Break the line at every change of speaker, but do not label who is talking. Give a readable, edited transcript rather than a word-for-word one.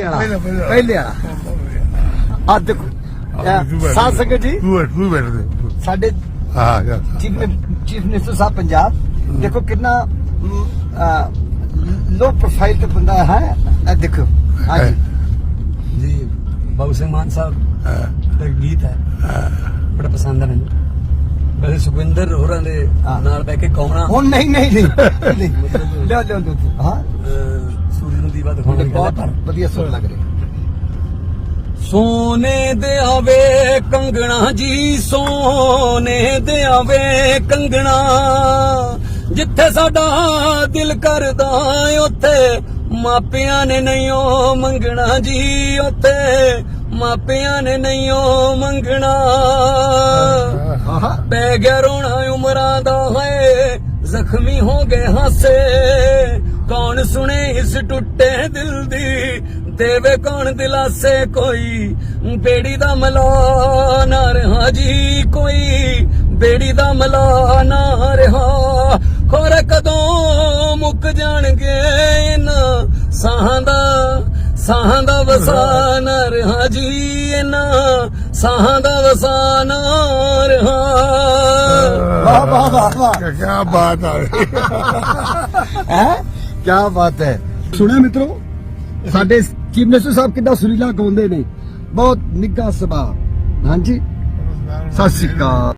ਵਾਲਾ ਪਹਿਲੇ ਵਾਲਾ ਆ ਦੇਖੋ ਸਾਧ ਸੰਗਤ ਜੀ
ਤੂੰ ਬੈਠ ਦੇ
ਸਾਡੇ ਚੀਫ ਮਿਨਿਸਟਰ ਸਾਹਿਬ ਪੰਜਾਬ देखो कितना लो प्रोफाइल का बंदा है देखो हाँ
जी बाबू सिंह मान साहब का गीत है बड़ा पसंद है मैंने वैसे सुखविंदर होरां दे नाल बैठ के कौमना
हुण नहीं लो हाँ
सूरज नू दीवा दिखाउण
बहुत वधिया सुर लग रही
सोने दे आवे कंगना जी सोने दे आवे कंगना जिथे साडा दिल करदा उत्थे मापियां ने नहीं मंगना जी उत्थे मापियां ने नहीं मंगना पै गया रोना उमरां दा है जख्मी हो गए हासे कौन सुने इस टुटे दिल दी देवे कौन दिलासे कोई बेड़ी दा मला ना रहा जी कोई बेड़ी दा मला ना रहा खोर कदों मुक जाणगे इन्हां साहां दा वसान रहा जी इन्हां साहां दा वसान रहा
वाह वाह वाह वाह
क्या बात
है क्या बात है सुने मित्रों ਸਾਡੇ ਚੀਫ ਮਿਨਿਸਟਰ ਸਾਹਿਬ ਕਿੰਨਾ ਸੁਰੀਲਾ ਗਾਉਂਦੇ ਨੇ ਬਹੁਤ ਨਿੱਘਾ ਸੁਭਾਅ ਹਾਂਜੀ ਸਤਿ ਸ਼੍ਰੀ ਅਕਾਲ